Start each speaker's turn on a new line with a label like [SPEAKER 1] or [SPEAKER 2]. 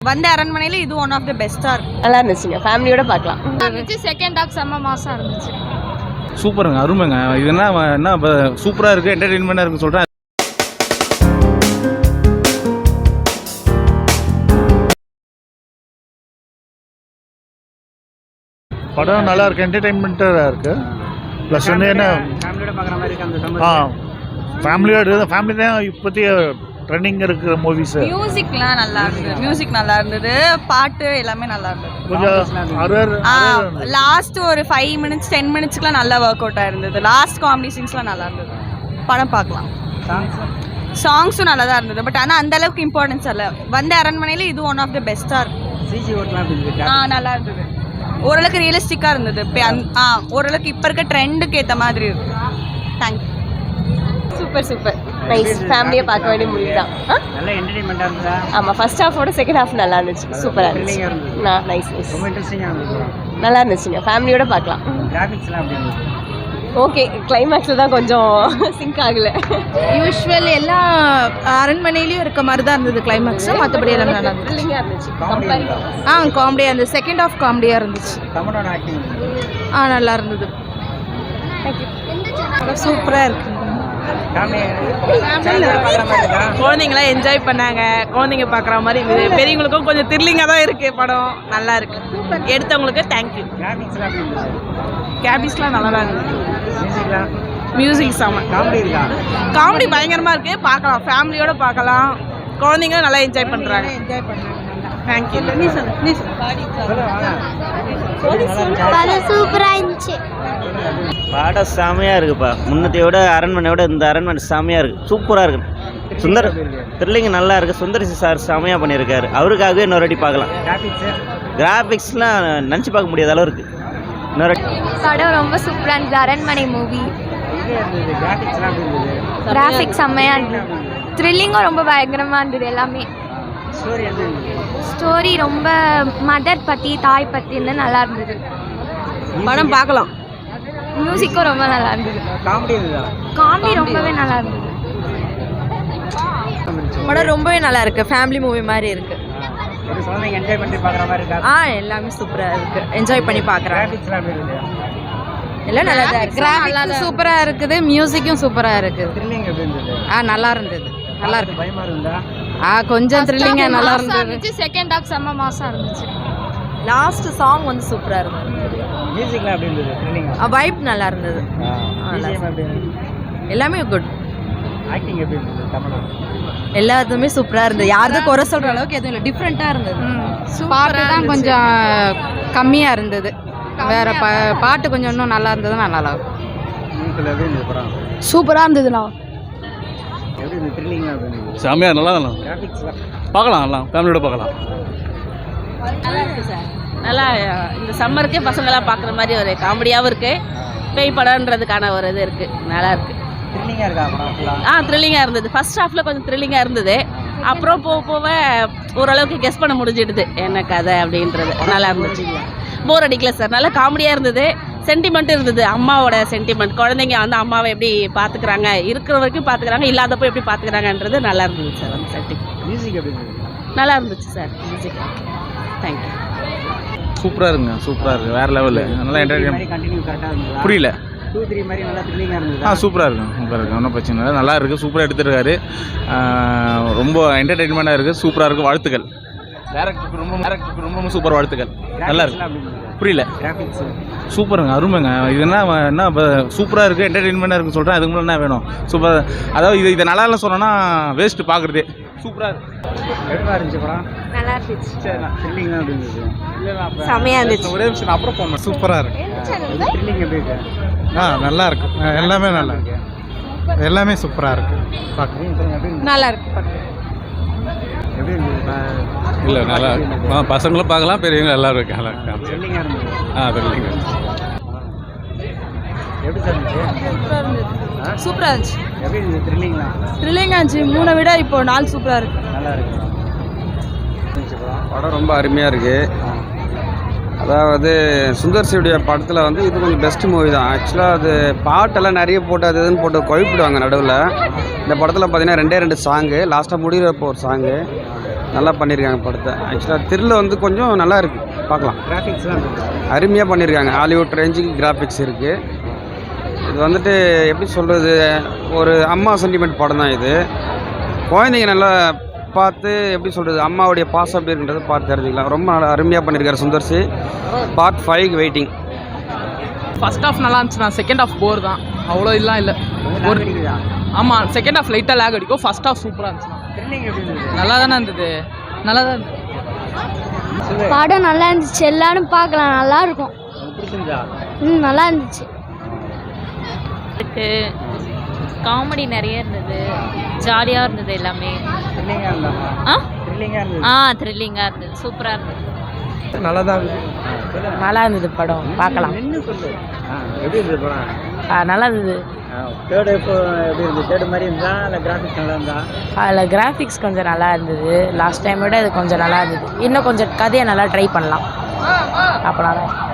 [SPEAKER 1] வந்த அரண்மனையில இது ஒன் ஆஃப் தி பெஸ்டா இருக்கு.
[SPEAKER 2] நல்லா இருந்துச்சுங்க, ஃபேமிலியோட பார்க்கலாம்.
[SPEAKER 3] இருந்துச்சு. செகண்ட் ஹாஃப் செம்ம மாசா இருந்துச்சு.
[SPEAKER 4] சூப்பருங்க, அருமைங்க. இது என்ன சூப்பராக இருக்குது, என்டர்டெயின்மெண்ட்டாக இருக்குன்னு சொல்கிறேன்.
[SPEAKER 5] படம் நல்லா இருக்கு, என்டர்டெயின்மெண்ட்டாக இருக்குது. ப்ளஸ் வந்து என்ன
[SPEAKER 6] ஃபேமிலியோட பார்க்குற மாதிரி இருக்கு. அந்த
[SPEAKER 5] ஃபேமிலி தான் இப்போதைய ட்ரெண்டிங் இருக்கிற மூவிஸ்.
[SPEAKER 1] மியூசிக்லாம் நல்லா இருந்தது, மியூசிக் நல்லா இருந்தது, பாட்டு எல்லாமே நல்லா இருந்தது.
[SPEAKER 5] கொஞ்சம்
[SPEAKER 1] லாஸ்ட் ஒரு 5 minutes 10 minutesக்குலாம் நல்லா ஒர்க் அவுட் ஆயிருந்தது. லாஸ்ட் காமெடி சீன்ஸ்லாம் நல்லா இருந்தது. படம் பார்க்கலாம். சாங்ஸும் நல்லா தான் இருந்தது. பட் ஆனால் அந்த அளவுக்கு இம்பார்ட்டன்ஸ் இல்லை. வந்த அரண்மனையில இது ஒன் ஆஃப் தி பெஸ்டா இருக்கு.
[SPEAKER 6] சிஜி ஓட்டலாம்
[SPEAKER 1] நல்லா இருந்தது. ஓரளவுக்கு ரியலிஸ்டிக்காக இருந்தது. ஓரளவுக்கு இப்போ இருக்க ட்ரெண்டுக்கு ஏற்ற மாதிரி இருக்கு. தேங்க்யூ.
[SPEAKER 2] Super super nice. ஃபேமிலியை பார்க்க வேண்டிய மூவி தான்.
[SPEAKER 6] நல்ல என்டர்டெயின்மெண்ட்டாக இருந்ததா?
[SPEAKER 2] ஆமாம், ஃபர்ஸ்ட் ஹாஃபோட செகண்ட் ஹாஃப் நல்லா இருந்துச்சு. சூப்பராக இருந்துச்சு. நைஸ் நைஸ்,
[SPEAKER 6] ரொம்ப இன்ட்ரெஸ்டிங்காக இருந்தது.
[SPEAKER 2] நல்லா இருந்துச்சுங்க, ஃபேமிலியோட பார்க்கலாம்.
[SPEAKER 6] கிராஃபிக்ஸ்லாம் அப்படி இருந்தது.
[SPEAKER 2] ஓகே, கிளைமேக்ஸில் தான் கொஞ்சம் சிங்க் ஆகலை.
[SPEAKER 1] யூஸ்வல் எல்லா அரண்மனையிலையும் இருக்க மாதிரி தான் இருந்தது கிளைமேக்ஸும். மற்றபடி எல்லாம் நல்லா இருந்துச்சு.
[SPEAKER 2] த்ரில்லிங்காக இருந்துச்சு.
[SPEAKER 1] காமெடியாக இருந்தது. செகண்ட் ஹாஃப் காமெடியாக இருந்துச்சு.
[SPEAKER 6] தமிழோட ஆக்டிங்
[SPEAKER 1] நல்லா இருந்தது. சூப்பராக இருக்கு. குழந்தைங்களாம் என்ஜாய் பண்ணாங்க. குழந்தைங்க பார்க்குற மாதிரி இருக்குது. பெரியவங்களுக்கும் கொஞ்சம் த்ரில்லிங்காக தான் இருக்குது. படம் நல்லா இருக்கு. எடுத்தவங்களுக்கு தேங்க்யூ. கேபிஸ்லாம் நல்லா தான் இருந்தது. மியூசிக் செம்ம. காமெடி பயங்கரமாக இருக்குது. பார்க்கலாம், ஃபேமிலியோட பார்க்கலாம். குழந்தைங்க நல்லா என்ஜாய் பண்ணுறாங்க. தேங்க்யூ.
[SPEAKER 3] சூப்பராக இருந்துச்சு.
[SPEAKER 7] பாடம் செமையாக இருக்குப்பா. முன்னத்தையோட அரண்மனையோட இந்த அரண்மனை செமையாக இருக்குது, சூப்பராக இருக்குது. சுந்தர் த்ரில்லிங் நல்லா இருக்குது. சுந்தரிசி சார் செமையாக பண்ணியிருக்காரு. அவருக்காகவே இன்னொரு வாட்டி பார்க்கலாம். கிராஃபிக்ஸ்லாம் நினச்சி பார்க்க முடியாத அளவு இருக்குது. இன்னொரு
[SPEAKER 3] படம் ரொம்ப சூப்பராக இருந்தது. அரண்மனை மூவி. கிராஃபிக்ஸ் செம்மையாக இருந்தது. த்ரில்லிங்கும் ரொம்ப பயங்கரமாக இருந்தது. எல்லாமே ஸ்டோரி ரொம்ப மதர் பற்றி தாய் பற்றி இருந்து நல்லா இருந்தது.
[SPEAKER 1] படம் பார்க்கலாம்.
[SPEAKER 3] மியூசிக்கும் ரொம்ப நல்லா இருந்தது. காமெடி ரொம்பவே நல்லா இருந்தது.
[SPEAKER 1] படம் ரொம்பவே நல்லா இருக்கு. ஃபேமிலி மூவி மாதிரி இருக்கு.
[SPEAKER 6] என்ஜாய் பண்ணி பார்க்குற மாதிரி இருக்கா?
[SPEAKER 1] எல்லாமே சூப்பராக இருக்கு. என்ஜாய் பண்ணி பார்க்குறேன். எல்லாம் நல்லா இருக்கு. கிராஃபிக்ஸ் சூப்பராக இருக்குது. மியூசிக்கும் சூப்பராக இருக்குது.
[SPEAKER 6] த்ரில்லிங் எப்படி இருந்தது?
[SPEAKER 1] நல்லா இருந்தது. நல்லா இருக்கு.
[SPEAKER 6] பயமா இருந்தா?
[SPEAKER 1] கொஞ்சம் த்ரில்லிங்காக நல்லா இருந்தது.
[SPEAKER 3] செகண்ட் ஹாஃப் செம்ம மாசா இருந்துச்சு.
[SPEAKER 1] லாஸ்ட் சாங் வந்து சூப்பராக இருந்தது.
[SPEAKER 6] மியூசிக்லாம் எப்படி இருந்தது? த்ரில்லிங்
[SPEAKER 1] வைப் நல்லா இருந்தது. எல்லாமே குட்.
[SPEAKER 6] ஆக்டிங் எப்படி இருந்தது? தமிழா
[SPEAKER 1] எல்லாத்துமே சூப்பராக இருந்தது. யாரும் குறை சொல்கிற அளவுக்கு எதுவும் இல்லை. டிஃப்ரெண்ட்டாக இருந்தது.
[SPEAKER 3] பாட்டு தான் கொஞ்சம்
[SPEAKER 1] கம்மியாக இருந்தது. வேற பாட்டு கொஞ்சம் இன்னும் நல்லா இருந்ததுன்னா நல்லா இருக்கும்.
[SPEAKER 6] எப்படி இருந்தது படம்?
[SPEAKER 1] சூப்பராக இருந்ததுண்ணா.
[SPEAKER 6] எப்படி இருந்தது? த்ரில்லிங்காக எப்படி இருந்தது?
[SPEAKER 4] செமையாக நல்லா
[SPEAKER 6] கிராஃபிக்ஸ்லாம்
[SPEAKER 4] பார்க்கலாம். நல்லா ஃபேமிலியோட பார்க்கலாம்.
[SPEAKER 8] நல்லா இருக்குது சார். நல்லா இந்த சம்மருக்கே பசங்களாம் பார்க்குற மாதிரி ஒரு காமெடியாகவும் இருக்குது. பேய் படம்ன்றதுக்கான ஒரு இது இருக்குது. நல்லா இருக்குது.
[SPEAKER 6] த்ரில்லிங்காக இருக்கா படம்?
[SPEAKER 8] த்ரில்லிங்காக இருந்தது. ஃபர்ஸ்ட் ஹாஃபில் கொஞ்சம் த்ரில்லிங்காக இருந்தது. அப்புறம் போக ஓரளவுக்கு கெஸ் பண்ண முடிஞ்சிடுது என்ன கதை அப்படின்றது. நல்லா இருந்துச்சு. போர் அடிக்கல சார். நல்லா காமெடியாக இருந்தது. சென்டிமெண்ட்டும் இருந்தது. அம்மாவோட சென்டிமெண்ட். குழந்தைங்க வந்து அம்மாவை எப்படி பார்த்துக்கிறாங்க, இருக்கிற வரைக்கும் பார்த்துக்கிறாங்க, இல்லாதப்போ எப்படி பார்த்துக்கிறாங்கன்றது நல்லா இருந்தது சார். அந்த சென்டிமெண்ட்.
[SPEAKER 6] மியூசிக் எப்படி இருந்தது?
[SPEAKER 8] நல்லா இருந்துச்சு சார். Music thank you.
[SPEAKER 4] சூப்பராக இருக்குங்க, சூப்பராக இருக்குது. வேறு லெவலு. நல்லா என்டர்டெயின்.
[SPEAKER 6] கண்டினியூ கரெக்டாக இருந்தது.
[SPEAKER 4] புரியல.
[SPEAKER 6] 2-3 மாதிரி நல்லா த்ரில்லிங்காக இருந்தது.
[SPEAKER 4] சூப்பராக இருக்கும். சூப்பராக இருக்குது. ஒன்றும் பிரச்சனை இல்லை. நல்லா இருக்குது. சூப்பராக எடுத்துருக்காரு. ரொம்ப என்டர்டெயின்மெண்ட்டாக இருக்குது. சூப்பராக இருக்குது. வாழ்த்துக்கள். டேரக்டருக்கு ரொம்ப சூப்பர் வாழ்த்துக்கள். நல்லா இருக்கு. புரியல.
[SPEAKER 6] கிராஃபிக்ஸ்
[SPEAKER 4] சூப்பருங்க, அருமைங்க. இது என்ன சூப்பராக இருக்குது, என்டர்டெயின்மெண்ட்டாக இருக்குன்னு சொல்கிறேன். அதுக்கு முன்னாடி என்ன வேணும்? சூப்பர். அதாவது இதை நல்லா இல்லை சொன்னோன்னா வேஸ்ட்டு பார்க்குறதே. சூப்பராக இருக்கு.
[SPEAKER 6] எப்படி இருந்துச்சு படம்?
[SPEAKER 3] நல்லா இருந்துச்சு.
[SPEAKER 6] த்ரில்லிங் தான் இருந்தது.
[SPEAKER 2] செமையாக இருந்துச்சு.
[SPEAKER 4] ஒரே விஷயம் அப்புறம் போகணும். சூப்பராக இருக்கு.
[SPEAKER 6] த்ரில்லிங் எப்படி இருக்கு?
[SPEAKER 5] நல்லா இருக்கு. எல்லாமே நல்லா இருக்கு. எல்லாமே சூப்பராக இருக்கு.
[SPEAKER 1] நல்லா இருக்கு.
[SPEAKER 6] எப்படி இருந்தது?
[SPEAKER 4] இல்லை நல்லா பசங்களும் பார்க்கலாம், பெரியவங்க எல்லோரும் இருக்காங்க.
[SPEAKER 6] த்ரில்லிங்காக இருந்தது.
[SPEAKER 4] த்ரில்லிங்.
[SPEAKER 6] எப்படி சார் இருந்துச்சு?
[SPEAKER 1] சூப்பராக இருந்துச்சு.
[SPEAKER 6] எப்படி இருந்தது?
[SPEAKER 1] த்ரில்லிங்காக இருந்துச்சு. 3 விட இப்போ 4 சூப்பராக இருக்கு.
[SPEAKER 6] நல்லா இருக்கு.
[SPEAKER 9] படம் ரொம்ப அருமையாக இருக்குது. அதாவது சுந்தர்சியுடைய படத்தில் வந்து இது கொஞ்சம் பெஸ்ட் மூவி தான். ஆக்சுவலாக அது பாட்டெல்லாம் நிறைய போட்டு அது இதுன்னு போட்டு குழப்பிடுவாங்க நடுவில். இந்த படத்தில் பார்த்தீங்கன்னா 2 சாங்கு, லாஸ்ட்டாக முடிகிறப்போ ஒரு சாங்கு. நல்லா பண்ணியிருக்காங்க படத்தை. ஆக்சுவலாக த்ரில் வந்து கொஞ்சம் நல்லா இருக்குது, பார்க்கலாம்.
[SPEAKER 6] கிராஃபிக்ஸ்லாம்
[SPEAKER 9] அருமையாக பண்ணியிருக்காங்க. ஹாலிவுட் ரேஞ்சுக்கு கிராஃபிக்ஸ் இருக்குது. இது வந்துட்டு எப்படி சொல்கிறது, ஒரு அம்மா சென்டிமெண்ட் படம் தான் இது. குழந்தைங்க நல்லா பார்த்து எப்படி சொல்கிறது, அம்மாவுடைய பாசம் எப்படி இருக்குன்றதை பார்த்து தெரிஞ்சுக்கலாம். ரொம்ப நல்லா அருமையாக பண்ணியிருக்காரு Sundar C. Part 5 waiting.
[SPEAKER 10] First half நல்லா இருந்துச்சுண்ணா, செகண்ட் ஹாஃப் போர் தான், அவ்வளோ இதெல்லாம் இல்லை. ஒரு ஆமாம், செகண்ட் ஹாஃப் லைட்டாக லேக் அடிக்கும், ஃபர்ஸ்ட் ஹாஃப் சூப்பராக இருந்துச்சுண்ணா.
[SPEAKER 6] த்ரில்லிங் எப்படி இருந்தது?
[SPEAKER 10] நல்லா தானே இருந்தது, நல்லா தான் இருந்தது.
[SPEAKER 3] படம் நல்லா இருந்துச்சு, எல்லாரும் பார்க்கலாம், நல்லா இருக்கும்.
[SPEAKER 6] பிடிச்சிருந்தா?
[SPEAKER 3] நல்லா இருந்துச்சு.
[SPEAKER 2] காமெடி நிறைய இருந்தது, ஜாலியாக இருந்தது எல்லாமே.
[SPEAKER 6] த்ரில்லிங்காக இருந்தா?
[SPEAKER 2] ஆ
[SPEAKER 6] த்ரில்லிங்காக இருந்தது.
[SPEAKER 2] த்ரில்லிங்காக இருந்தது, சூப்பராக இருந்தது.
[SPEAKER 10] நல்லா தான்
[SPEAKER 8] நல்லா இருந்தது படம், பார்க்கலாம்.
[SPEAKER 6] நின்று சொல்லு. எப்படி இருந்தது படம்?
[SPEAKER 8] நல்லா இருந்தது.
[SPEAKER 6] தேர்டு இப்போ எப்படி இருந்தது? தேர்டு மாதிரி இருந்தா இல்லை கிராஃபிக்ஸ் நல்லா இருந்தா?
[SPEAKER 8] அதில் கிராஃபிக்ஸ் கொஞ்சம் நல்லா இருந்தது, லாஸ்ட் டைம் விட இது கொஞ்சம் நல்லா இருந்தது. இன்னும் கொஞ்சம் கதையை நல்லா ட்ரை பண்ணலாம், அப்போ நல்லா